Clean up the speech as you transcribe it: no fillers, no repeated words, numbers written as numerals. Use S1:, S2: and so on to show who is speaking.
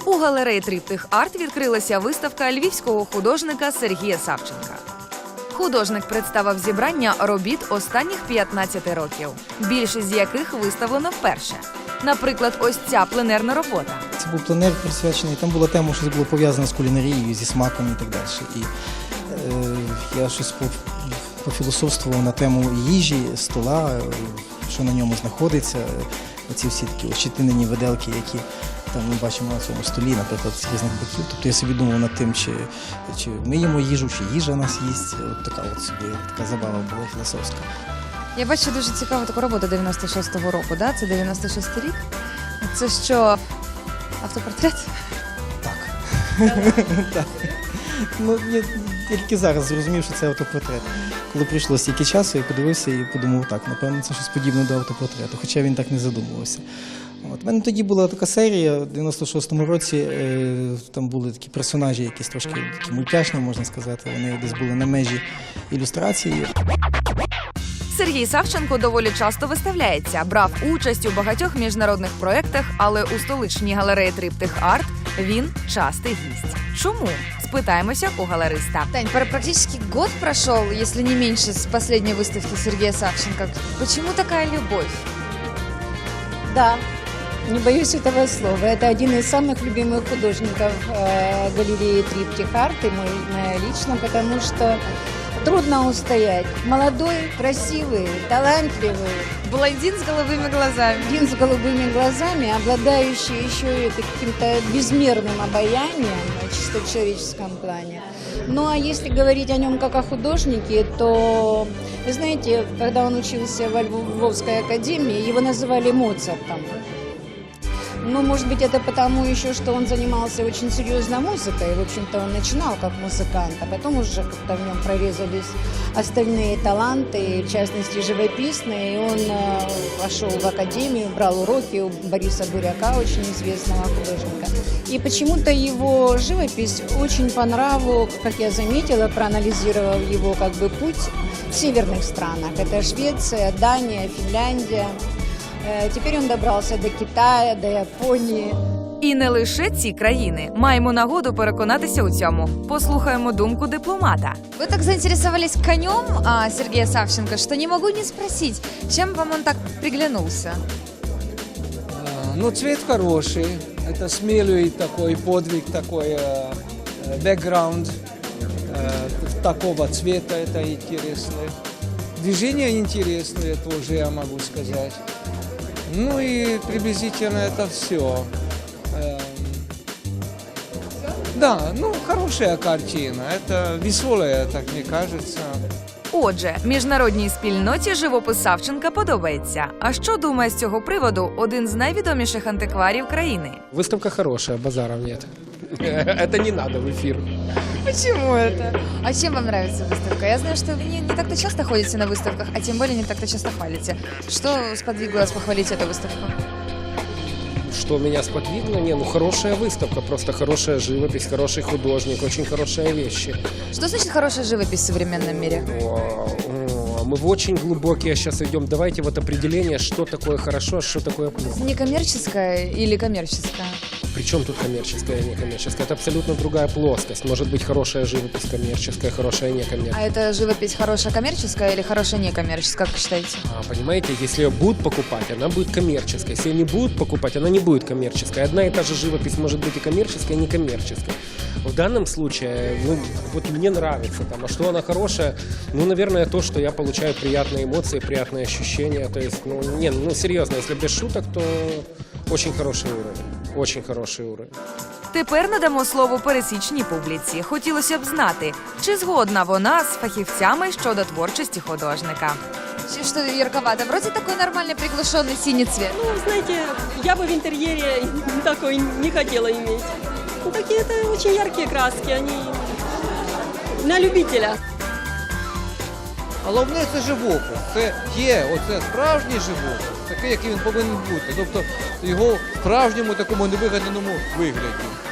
S1: У галереї Триптих Арт відкрилася виставка львівського художника Сергія Савченка. Художник представив зібрання робіт останніх 15 років, більшість з яких виставлено вперше. Наприклад, ось ця пленерна робота.
S2: Це був пленер присвячений, там була тема, що було пов'язано з кулінарією, зі смаком і так далі. І я щось пофілософствував на тему їжі, стола, що на ньому знаходиться. Оці всі такі ощетинені виделки, які там ми бачимо на цьому столі, наприклад, з різних боків. Тобто я собі думав над тим, чи ми їмо їжу, чи їжа нас їсть. От така от собі така забава була філософська.
S1: Я бачу дуже цікаву таку роботу 96-го року, да? Це 96-й рік. Це що, автопортрет?
S2: Так. Так. Ну, я тільки зараз зрозумів, що це автопортрет. Коли пройшло стільки часу, я подивився і подумав, так, напевно, це щось подібне до автопортрету, хоча він так не задумувався. У мене тоді була така серія, в 96-му році там були такі персонажі, якісь трошки такі мультяшні, можна сказати, вони десь були на межі ілюстрації.
S1: Сергій Савченко доволі часто виставляється, брав участь у багатьох міжнародних проєктах, але у столичній галереї Триптих Арт він частий гість. Чому? Спитаємося у галериста.
S3: Тань, практически год прошел, если не меньше, с последней выставки Сергея Савченко. Почему такая любовь?
S4: Да, не боюсь этого слова. Это один из самых любимых художников галереи Триптих Арт, и моя лично, потому что трудно устоять. Молодой, красивый, талантливый.
S3: Блондин с голубыми глазами.
S4: Один с голубыми глазами, обладающий еще и каким-то безмерным обаянием в чисто человеческом плане. Ну а если говорить о нем как о художнике, то, вы знаете, когда он учился во Львовской академии, его называли Моцартом. Ну, может быть, это потому еще, что он занимался очень серьезно музыкой. В общем-то, он начинал как музыкант, а потом уже как-то в нем прорезались остальные таланты, в частности, живописные. И он пошел в академию, брал уроки у Бориса Буряка, очень известного художника. И почему-то его живопись очень по нраву, как я заметила, проанализировав его как бы путь в северных странах. Это Швеция, Дания, Финляндия. Теперь он добрався до Китаю, до Японії.
S1: І не лише ці країни. Маємо нагоду переконатися у цьому. Послухаємо думку дипломата.
S3: Вы так заинтересовались конем Сергея Савченко, что не могу не спросить, чем вам он так приглянулся?
S5: Ну, цвет хороший. Это смелый такой подвиг, такой бэкграунд такого цвета. Это интересно. Движение интересное тоже, я могу сказать. Ну и приблизительно это все. Да, ну хорошая картина. Это веселая, так мне кажется.
S1: Отже, міжнародній спільноті живопис Савченка подобається. А що думає з цього приводу один з найвідоміших антикварів країни?
S6: Выставка хорошая, базаров нет. Это не надо в эфир.
S3: Почему это? А чем вам нравится выставка? Я знаю, что вы не так-то часто ходите на выставках, а тем более не так-то часто хвалите. Что сподвигло вас похвалить эту выставку?
S6: Что меня сподвигло? Ну хорошая выставка, просто хорошая живопись, хороший художник, очень хорошие вещи.
S3: Что значит хорошая живопись в современном мире?
S6: Мы в очень глубокие сейчас идем. Давайте вот определение, что такое хорошо, а что такое плохо.
S3: Некоммерческая или коммерческая?
S6: Причем тут коммерческая и некоммерческая? Это абсолютно другая плоскость. Может быть хорошая живопись коммерческая, хорошая некоммерческая.
S3: А это живопись хорошая коммерческая или хорошая некоммерческая, как вы считаете?
S6: Понимаете, если ее будут покупать, она будет коммерческой. Если ее не будут покупать, она не будет коммерческой. Одна и та же живопись может быть и коммерческая, и некоммерческая. В данном случае, ну, вот мне нравится, там, а что она хорошая, ну, наверное, то, что я получаю приятные эмоции, приятные ощущения. То есть, ну, серьезно, если без шуток, то очень хороший уровень. Очень хороший уровень.
S1: Тепер надамо слово пересічній публіці. Хотілося б знати, чи згодна вона з фахівцями щодо творчості художника.
S3: Что ярковато? Вроде такой нормальный приглушенный синий цвет.
S7: Ну, знаете, я бы в интерьере такой не хотела иметь. Ну, такие это очень яркие краски, они на любителя.
S8: Головне – це живопис. Це є оце справжній живопис, такий, який він повинен бути. Тобто його в справжньому такому невигаданому вигляді.